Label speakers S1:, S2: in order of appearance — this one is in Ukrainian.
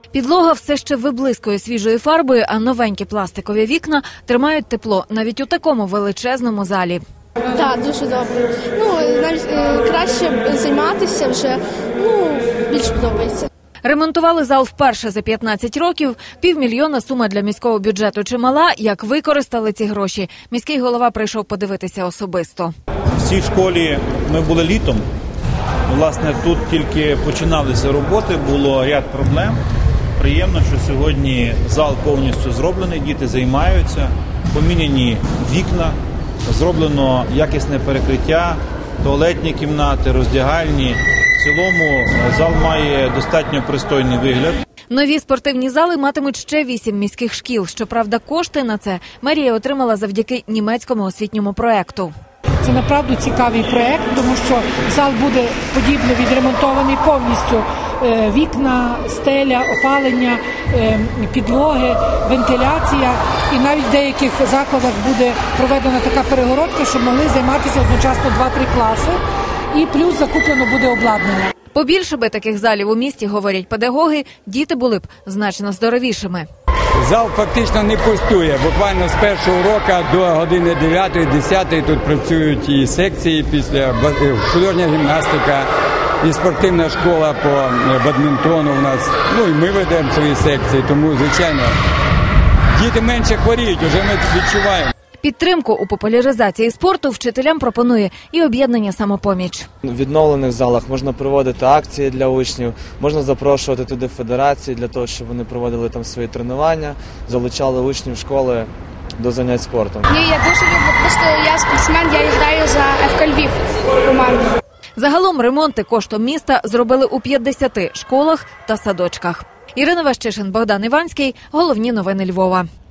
S1: Підлога все ще виблискує свіжою фарбою, а новенькі пластикові вікна тримають тепло навіть у такому величезному залі.
S2: Так, дуже добре. Навіть краще займатися вже, більш подобається.
S1: Ремонтували зал вперше за 15 років. 500 000 сума для міського бюджету чимала. Як використали ці гроші? Міський голова прийшов подивитися особисто.
S3: В цій школі ми були літом. Власне, тут тільки починалися роботи, було ряд проблем. Приємно, що сьогодні зал повністю зроблений, діти займаються, поміняні вікна, зроблено якісне перекриття, туалетні кімнати, роздягальні. В цілому зал має достатньо пристойний вигляд.
S1: Нові спортивні зали матимуть ще 8 міських шкіл. Щоправда, кошти на це мерія отримала завдяки німецькому освітньому проекту.
S4: Це направду цікавий проект, тому що зал буде подібно відремонтований повністю. Вікна, стеля, опалення, підлоги, вентиляція. І навіть в деяких закладах буде проведена така перегородка, щоб могли займатися одночасно 2-3 класи. І плюс закуплено буде обладнання.
S1: Побільше би таких залів у місті, говорять педагоги, діти були б значно здоровішими.
S5: Зал фактично не пустує. Буквально з першого уроку до години 9-10 тут працюють і секції, після художня гімнастика, і спортивна школа по бадмінтону у нас. І ми ведемо свої секції, тому, звичайно, діти менше хворіють, вже ми відчуваємо.
S1: Підтримку у популяризації спорту вчителям пропонує і об'єднання «Самопоміч».
S6: В відновлених залах можна проводити акції для учнів, можна запрошувати туди федерації для того, щоб вони проводили там свої тренування, залучали учнів школи до занять спортом.
S2: Ні, я дуже люблю, просто я спортсмен, я граю за ФК Львів команду.
S1: Загалом ремонти коштом міста зробили у 50 школах та садочках. Ірина Ващишин, Богдан Іванський. Головні новини Львова.